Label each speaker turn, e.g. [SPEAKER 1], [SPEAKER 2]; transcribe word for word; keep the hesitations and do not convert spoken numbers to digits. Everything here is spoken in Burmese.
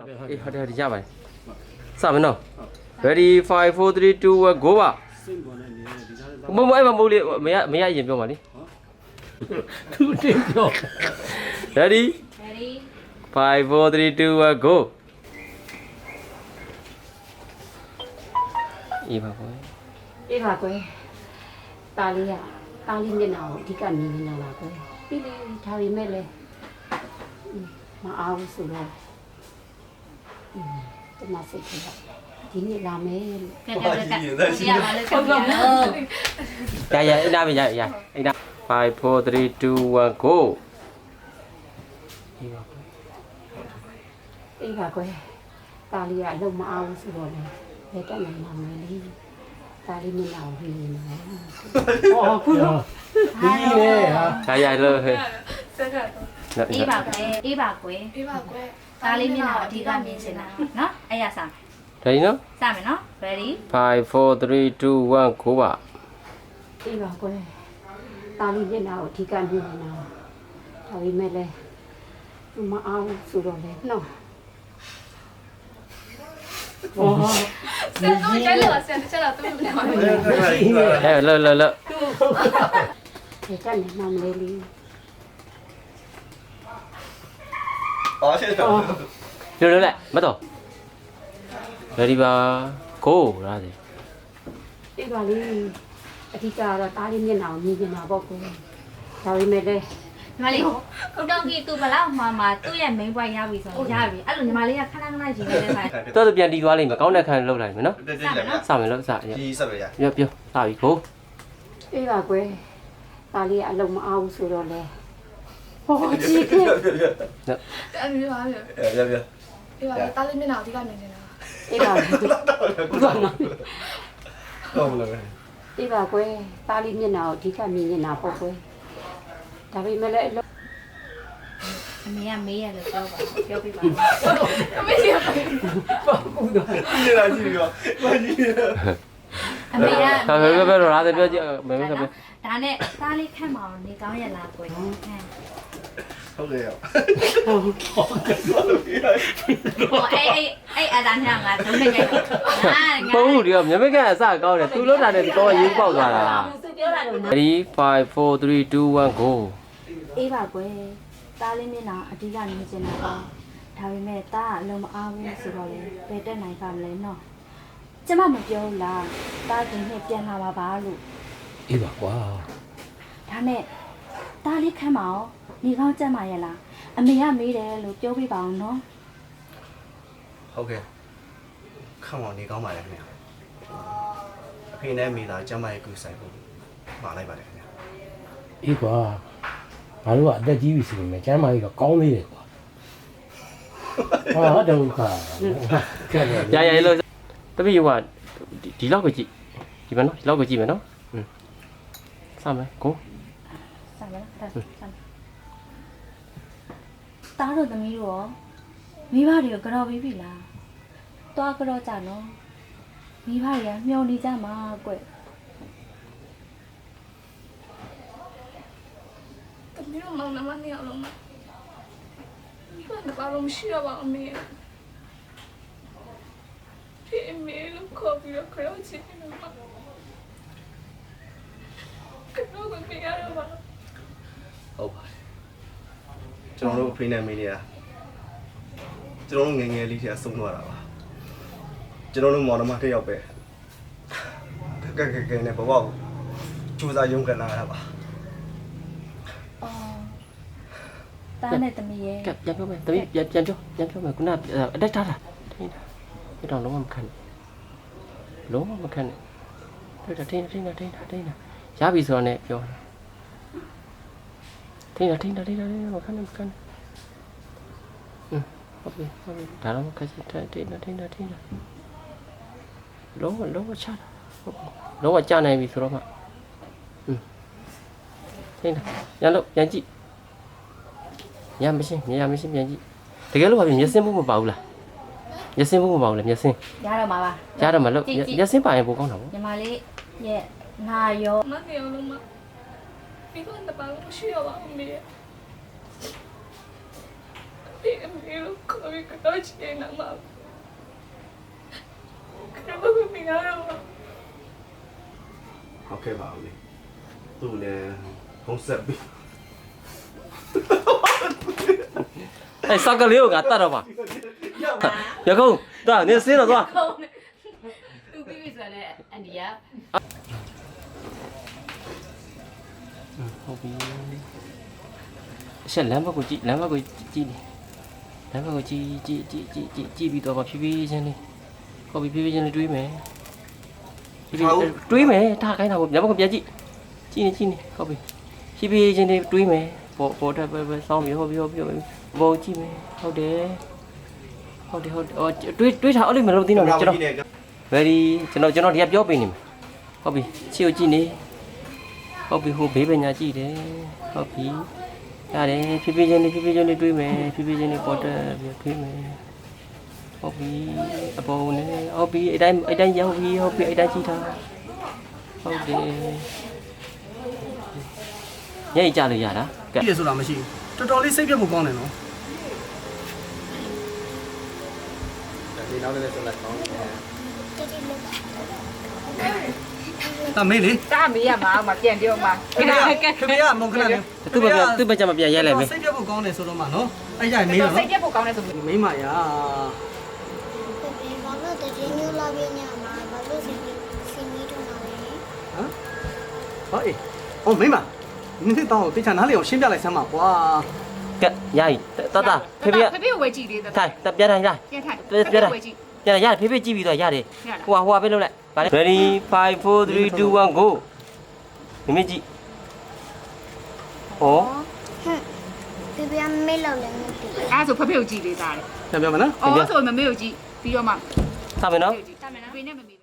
[SPEAKER 1] အေးဟုတ်တယ်ရပါတယ်စမယ်နော် ready five four three two one go ပါမမအဲ့မမိုးလေးမရမရရင်ပြောပါလေသူတင်ပြော ready
[SPEAKER 2] ready
[SPEAKER 1] five four three two one go အေးပါကွယ်
[SPEAKER 2] အေးပါကွယ်ตาလေးကตาလေးမျက်နှာကိုအဓိကမြင်နေတာပါကွယ်ပြီးလေဒါပေမဲ့လေမအားဘူးဆိုတော့တမစိတ်ကြီးဒီနေ့လာမယ်လို့ကဲကဲကဲဒီရပါလေဟုတ်ပါဘူး
[SPEAKER 1] ရရအဲ့ဒါပဲရရအဲ့ဒါfive four three two one go အေးပါကွယ်
[SPEAKER 2] အေးပါကွယ်ตาလေးကအလုံးမအားဘူးဆိုတော့လေဘယ်တက်နိုင်မှာမလဲตาလေးမျက်နှာကိုမြင်နေတာဟောခုတော့ဒီလေဟာ
[SPEAKER 1] ရရလို့ဟဲ့
[SPEAKER 3] စက်ကတော့
[SPEAKER 2] အေးပါကွယ်အေးပါကွယ်
[SPEAKER 3] အေးပါကွယ်
[SPEAKER 2] ဒါလေးမျက်နှာအဓိကမြင်နေတာနော်အဲ့ရစမယ်
[SPEAKER 1] ready နော်
[SPEAKER 2] စမယ်နော် ready
[SPEAKER 1] five four three two one go ပါ
[SPEAKER 2] အေးပါကွယ်ဒါလေးမျက်နှာကိုအဓိကမြင်နေတာဒါပေမဲ့လည်းမအောင်ဆိုတော့လေနော်ဟော
[SPEAKER 3] စက်တော့ကျဲလို့စက်တစ်ချက်တော့သူ့လိုပါမယ်
[SPEAKER 1] အဲ့လောလောလော
[SPEAKER 2] ဒီကနေမှမလေးလေး
[SPEAKER 4] 哦，现在
[SPEAKER 1] လောလောလိုက်မတော့ ready ပါ go လားဒီ
[SPEAKER 2] အေးပါလေအဓိကကတော့ဒါလေးမျက်နှာကိုမြင်နေတာပေါ့ကွယ်ဒါပေမဲ့လည်း
[SPEAKER 5] ညီမလေးဦးတောင်ကြီးသူဘလောက်မှမှသူ့ရဲ့ main point ရပြီဆိုတော့ရပြီအဲ့လိုညီမလေးကခဏခဏရှင်နေတဲ့ခါ
[SPEAKER 1] တော်တော်ပြန်တီးသွားလိမ့်မယ်ကောင်းတဲ့ခံလောက်လိုက်မယ်နော်
[SPEAKER 4] 对对对，
[SPEAKER 1] စမယ်လို့စရ
[SPEAKER 4] 第一设备呀，
[SPEAKER 1] ပြောပြောစပြီ go
[SPEAKER 2] အေးပါကွယ်ဒါလေးကအလုံးမအောင်ဆိုတော့လေဟောကြည့်ခဲ့
[SPEAKER 3] အဲ့ဒီပါလေ
[SPEAKER 4] 别别别，
[SPEAKER 3] အေးပါတားလေးမျက်နှာအဓိကမြင်နေတာ
[SPEAKER 2] အေးပါဘာနော်
[SPEAKER 4] 够不了呗。
[SPEAKER 2] အေးပါကွယ်ဒါလေးမျက်နှာကိုအဓိကမြင်နေတာပေါ့ကွယ်ဒါပေမဲ့လည်း
[SPEAKER 5] အမေကမေးရလို့ပြောပါပြောပြပါ
[SPEAKER 3] အမေကြီးပါ
[SPEAKER 4] 你来几个？我你。
[SPEAKER 5] အမေက
[SPEAKER 1] ဟာဘယ်ဘယ်ဘယ်တော့လားပြောကြည့်မင်းကပြော
[SPEAKER 5] ဒါနဲ့သားလေးခန့်မအောင်နေကောင်းရလားကိုယ်ဟမ်
[SPEAKER 4] ဟုတ်ကဲ့ရော
[SPEAKER 5] ဟောအေးအေးအေးအတန်းညာငါသုံးနေကြတယ်ငါငါ
[SPEAKER 1] ပုံမှုတွေကမြမကအစကောင်းတယ်သူလောက်တာနဲ့ဒီကောရေးပေါက်သွားတာ
[SPEAKER 5] သူပြောတာတော့
[SPEAKER 1] ready five four three two one go
[SPEAKER 5] အေးပါကွယ်သားလေးမျက်နှာအဓိကနေကျင်တာပါဒါပေမဲ့သားကအလုံးမအားဘူးဆိုတော့လေဘယ်တက်နိုင်ပါမလဲနော်ကျမမပြောဘူးလားသားကင်းနဲ့ပြန်လာပါပါလို့
[SPEAKER 1] အေးပါကွာ
[SPEAKER 5] ဒါနဲ့သားလေးခန့်မအောင်နေကောင်းကြက်มาရဲ့လားအမေကမေးတယ်လို့ပြောပြပါအောင်နော်
[SPEAKER 4] ဟုတ်ကဲ့ခန့်မောင်နေကောင်းပါလေခင်ဗျာအဖေနဲ့မိသားကျမရဲ့ကူဆိုင်ဖို့မှာလိုက်ပါတယ်ခင်ဗျာ
[SPEAKER 6] အေးကွာငါတို့ကအသက်ကြီးပြီဆိုရင်ကျမ်းမာကြီးတော့ကောင်းသေးတယ်ကွာဟာဒုက္ခကဲ့
[SPEAKER 1] ရရလို့တပည့်ကဒီလောက်ကိုကြည့်ဒီမနော်ဒီလောက်ကိုကြည့်မယ်နော်อืมစမယ် go
[SPEAKER 5] စမ်းပါလားဒါစမ်းတားတို့သမီးတို့ရောမိဘတွေကိုကြော်ပြီးပြီလားတွားကြော်ကြနော်မိဘတွေကမျောနေကြမှာကွ
[SPEAKER 3] တမီးတို့မောင်နှမနှစ်ယောက်လုံးမှာဒီကဘာလို့မရှိတော့ပါအမေဒီအမေလို့ခေါ်ပြီးတော့ခေါ်ချင်တယ်မှာကတော့မရတော့ပါ
[SPEAKER 4] ဟုတ်ပါတယ်ကျွန်တော်တို့အဖေနဲ့မိနေရကျွန်တော်တို့ငယ်ငယ်လေးတည်းဆုံးသွားတာပါကျွန်တော်တို့မောင်နှမတစ်ယောက်ပဲကဲကဲကဲနဲ့ဘဝကိုစူးစမ်းရုံးကန်လာတာပါ
[SPEAKER 5] အော်တားနဲ့သမီးရဲ့
[SPEAKER 1] ကပြန်ပြောမယ်တပည့်ပြန်ပြန်ပြောပြန်ပြောမယ်ခုနအတက်ထားတာထိန်းတာဒီတော့လုံးဝမခံနဲ့လုံးဝမခံနဲ့တွေ့တာထိန်းတာထိန်းတာထိန်းတာထိန်းတာရပြီဆိုတော့ねပြောထိန်းတာထိန်းတာထိန်းတာမခံနဲ့မခံနဲ့อืมဟုတ်ပြီဟုတ်ပြီဒါတော့ခက်စစ်ထိုင်ထိန်းတာထိန်းတာထိန်းတာလုံးဝလုံးဝချတာလုံးဝကြာနိုင်ပြီဆိုတော့မှอืมထိန်းတာရလို့ပြန်ကြည့်ရမရှင်းမြင်ရမရှင်းပြန်ကြည့်တကယ်လို့ဘာဖြစ်မျက်စင်းမှုမပါဘူးလားမျက်စင်းမှုမပါဘူးလားမျက်စင်း
[SPEAKER 5] ရတော့မှာပါ
[SPEAKER 1] ရတော့မလို့မျက်စင်းပါရင်ပိုကောင်းတာပေါ့
[SPEAKER 5] ညီမလေးရဲ့ငါရော
[SPEAKER 3] မနှစ်ယောက်လုံးမှာဒီကဘာလို့မရှိတော့ပါအမေ ဒီဖေအမေတို့ခေါ်ပြီးကတော့ချင်နေမှာကတော့မမြင်ရတော့
[SPEAKER 4] ဟုတ်ကဲ့ပါဦးလေသူ့လည်းဖုံးဆက်ပြီး
[SPEAKER 1] အဲ့စကလေးကိုငါတတ်တော့ပါရကုန်းသွားနေစင်းတော့သွား
[SPEAKER 2] သူပြီးပြီဆိုရင်အန်ဒီယာ
[SPEAKER 1] ဟုတ်ပြီရှက်လမ်းဘက်ကိုကြည့်လမ်းဘက်ကိုကြည့်လမ်းဘက်ကိုကြည့်ကြည့်ကြည့်ကြည့်ကြည့်ကြည့်ပြီးတော့ဖြည်းဖြည်းချင်းလေးဟုတ်ပြီဖြည်းဖြည်းချင်းလေးတွေးမယ်ဖြည်းဖြည်းတွေးမယ်ထားခိုင်းတာပေါ့ညဘက်ကိုပြန်ကြည့်ကြည့်နေကြည့်နေဟုတ်ပြီဖြည်းဖြည်းချင်းလေးတွေးမယ်ပေါ်ပေါ်တက်ပဲပဲစောင်းပြီဟုတ်ပြီဟုတ်ပြီဘောကြည့်မယ်ဟုတ်တယ်ဟုတ်တယ်ဟုတ်တယ်အော်တွေးတွေးထားအဲ့လိုမလုပ်သေးတော့ကျွန်တော် very ကျွန်တော်ကျွန်တော်ဒီကပြောပေးနေမယ်ဟုတ်ပြီချီကိုကြည့်နေဟုတ်ပြီဟိုဘေးပညာကြည့်တယ်ဟုတ်ပြီရတယ်ဖြည်းဖြည်းချင်းလေးဖြည်းဖြည်းချင်းလေးတွေးမယ်ဖြည်းဖြည်းချင်းလေးပေါ်တက်ပြီးတွေးမယ်ဟုတ်ပြီအပေါ်နဲ့ဟုတ်ပြီအဲ့တိုင်းအဲ့တိုင်းရောက်ပြီဟုတ်ပြီအဲ့တိုင်းကြည့်ထားဟုတ်တယ်ညိတ်ကြလို့ရလားကဲ
[SPEAKER 7] ပြည့်ဆိုတာမရှိဘူးတော်တော်လေးစိတ်ပြတ်ဖို့ကောင်းတယ်နော်
[SPEAKER 4] ဒီနောက်လည်းဆက်လက်ကောင်းတယ်
[SPEAKER 7] ဒါမေးလေ
[SPEAKER 2] တာမေးရမှာမပြန်ပြောမှာ
[SPEAKER 7] ခင်ဗျာခင်ဗျာမုန်ခဏလေး
[SPEAKER 1] သူ့ဘက်ကသူ့ဘက်ကမပြန်ရဲလိုက်မယ်
[SPEAKER 7] စိတ်ပြတ်ဖို့ကောင်းတယ်ဆိုတော့မှနော်အဲ့ကြရင်မေး
[SPEAKER 2] တော်
[SPEAKER 7] တော့
[SPEAKER 2] စိတ်ပြတ်ဖို့ကောင်းတယ်ဆို
[SPEAKER 7] မိမရာ
[SPEAKER 8] ဘာလို့တကယ်မျိုးလာပြညမှာဘာလို့စင်စင်ကြီးထုံးတာလဲ
[SPEAKER 7] ဟမ်ဟောအေးဟောမိမနင်းတောင်းတေချာနားလေအောင်ရှင်းပြလိုက်စမ်းပါကွာ
[SPEAKER 1] ကဲရည်တတဖေဖေ
[SPEAKER 2] ဖေဖေကိုဝယ်ကြည့်သေးတယ်
[SPEAKER 1] ထိုင်တပြန်ထိုင်လာ
[SPEAKER 2] ပြန်ထိုင်
[SPEAKER 1] ပြန်ထိုင်
[SPEAKER 2] ဝယ်ကြည့်
[SPEAKER 1] ပြန်ရဖေဖေကြည့်ပြီးတော့ရတယ်ဟိုဟာဟိုဟာပဲလုပ်လိုက်ဗါလေ ready five four three two one go မိမိကြည့်ဩ
[SPEAKER 8] ဟမ်ပြပြမေးလောက်လည်းမသိ
[SPEAKER 2] အဲ့ဆိုဖေဖေကိုကြည့်သေးတာလေ
[SPEAKER 7] ပြန်ပြောမနော်
[SPEAKER 2] အော်ဆိုမမေကိုကြည့်ပြီးတော့မှ
[SPEAKER 1] စမယ်နော်
[SPEAKER 2] ကြည့်တာမယ်နော်ဖေနဲ့မမေ